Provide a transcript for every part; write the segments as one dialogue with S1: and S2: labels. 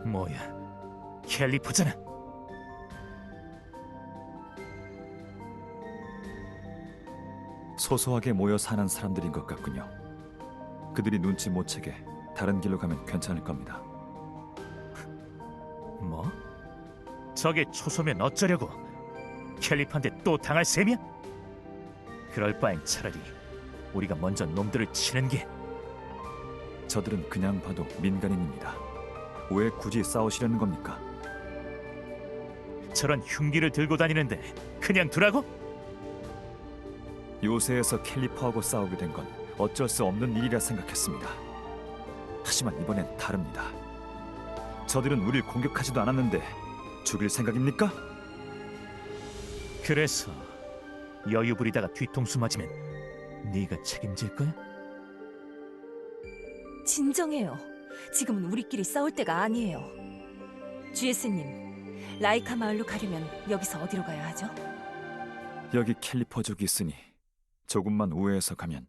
S1: 뭐야, 캘리퍼잖아.
S2: 소소하게 모여 사는 사람들인 것 같군요. 그들이 눈치 못 채게 다른 길로 가면 괜찮을 겁니다.
S1: 뭐? 저게 초소면 어쩌려고? 캘리퍼한테 또 당할 셈이야? 그럴 바엔 차라리 우리가 먼저 놈들을 치는 게.
S2: 저들은 그냥 봐도 민간인입니다. 왜 굳이 싸우시려는 겁니까?
S1: 저런 흉기를 들고 다니는데 그냥 두라고?
S2: 요새에서 캘리퍼하고 싸우게 된 건 어쩔 수 없는 일이라 생각했습니다. 하지만 이번엔 다릅니다. 저들은 우릴 공격하지도 않았는데 죽일 생각입니까?
S1: 그래서 여유 부리다가 뒤통수 맞으면 네가 책임질 거야?
S3: 진정해요. 지금은 우리끼리 싸울 때가 아니에요. GS님, 라이카 마을로 가려면 여기서 어디로 가야 하죠?
S2: 여기 캘리퍼족이 있으니 조금만 우회해서 가면.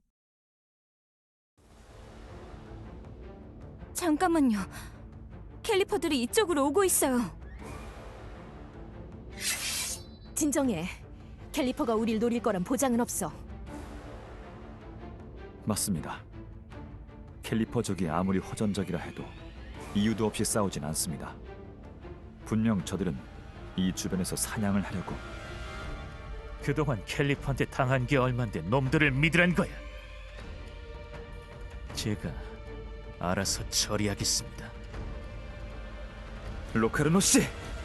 S3: 잠깐만요. 캘리퍼들이 이쪽으로 오고 있어요. 진정해. 캘리퍼가 우릴 노릴 거란 보장은 없어.
S2: 맞습니다. 캘리퍼족이 아무리 호전적이라 해도 이유도 없이 싸우진 않습니다. 분명 저들은 이 주변에서 사냥을 하려고.
S1: 그동안 캘리퍼한테 당한 게 얼만데 놈들을 믿으란 거야. 제가 알아서 처리하겠습니다.
S2: 로카르노 씨!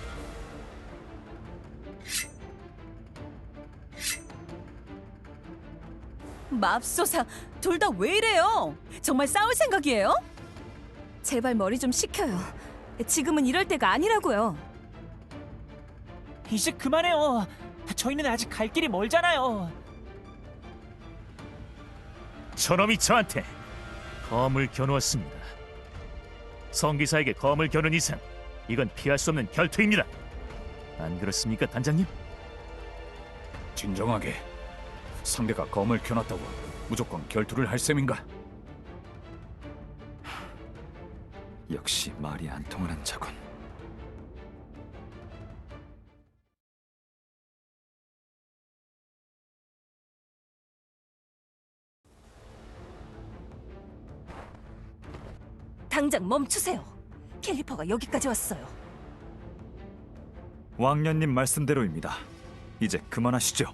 S3: 맙소사, 둘 다 왜 이래요? 정말 싸울 생각이에요? 제발 머리 좀 식혀요. 지금은 이럴 때가 아니라고요.
S4: 이제 그만해요. 저희는 아직 갈 길이 멀잖아요.
S1: 저놈이 저한테 검을 겨누었습니다. 성기사에게 검을 겨눈 이상 이건 피할 수 없는 결투입니다. 안 그렇습니까, 단장님?
S5: 진정하게. 상대가 검을 켜놨다고 무조건 결투를 할 셈인가?
S2: 역시 말이 안 통하는 자군.
S3: 당장 멈추세요. 캘리퍼가 여기까지 왔어요.
S2: 왕년님 말씀대로입니다. 이제 그만하시죠.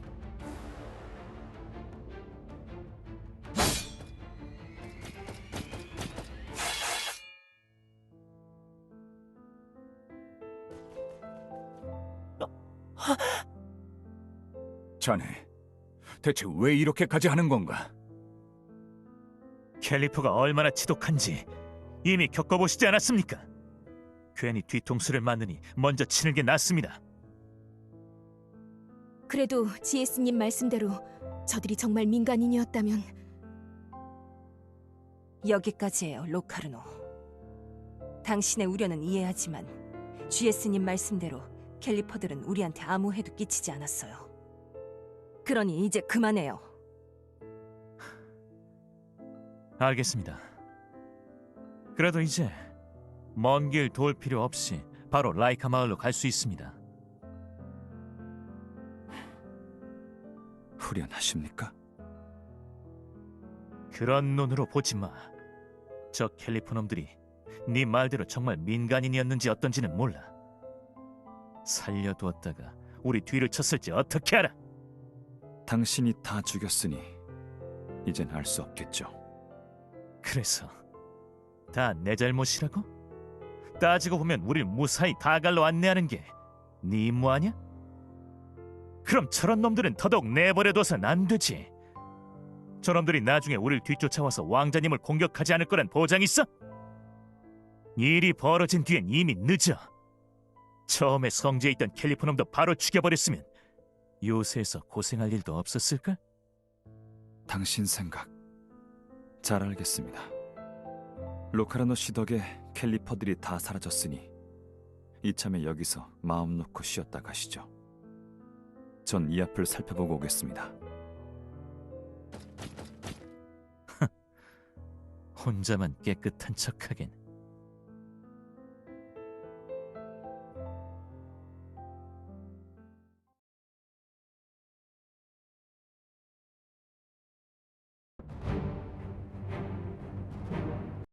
S5: 자네, 대체 왜 이렇게까지 하는 건가?
S1: 캘리퍼가 얼마나 지독한지 이미 겪어보시지 않았습니까? 괜히 뒤통수를 맞느니 먼저 치는 게 낫습니다.
S3: 그래도 GS님 말씀대로 저들이 정말 민간인이었다면. 여기까지예요, 로카르노. 당신의 우려는 이해하지만 GS님 말씀대로 캘리퍼들은 우리한테 아무 해도 끼치지 않았어요. 그러니 이제 그만해요.
S1: 알겠습니다. 그래도 이제 먼 길 돌 필요 없이 바로 라이카 마을로 갈 수 있습니다.
S2: 후련하십니까?
S1: 그런 눈으로 보지 마. 저 캘리퍼 놈들이 네 말대로 정말 민간인이었는지 어떤지는 몰라. 살려두었다가 우리 뒤를 쳤을지 어떻게 알아?
S2: 당신이 다 죽였으니 이젠 알 수 없겠죠.
S1: 그래서 다 내 잘못이라고? 따지고 보면 우릴 무사히 다갈로 안내하는 게 네 임무 아니야? 그럼 저런 놈들은 더더욱 내버려둬선 안 되지. 저놈들이 나중에 우릴 뒤쫓아와서 왕자님을 공격하지 않을 거란 보장 있어? 일이 벌어진 뒤엔 이미 늦어. 처음에 성지에 있던 캘리퍼 놈도 바로 죽여버렸으면 요새에서 고생할 일도 없었을걸?
S2: 당신 생각 잘 알겠습니다. 로카르노 씨 덕에 캘리퍼들이 다 사라졌으니 이참에 여기서 마음 놓고 쉬었다 가시죠. 전 이 앞을 살펴보고 오겠습니다.
S1: 혼자만 깨끗한 척하긴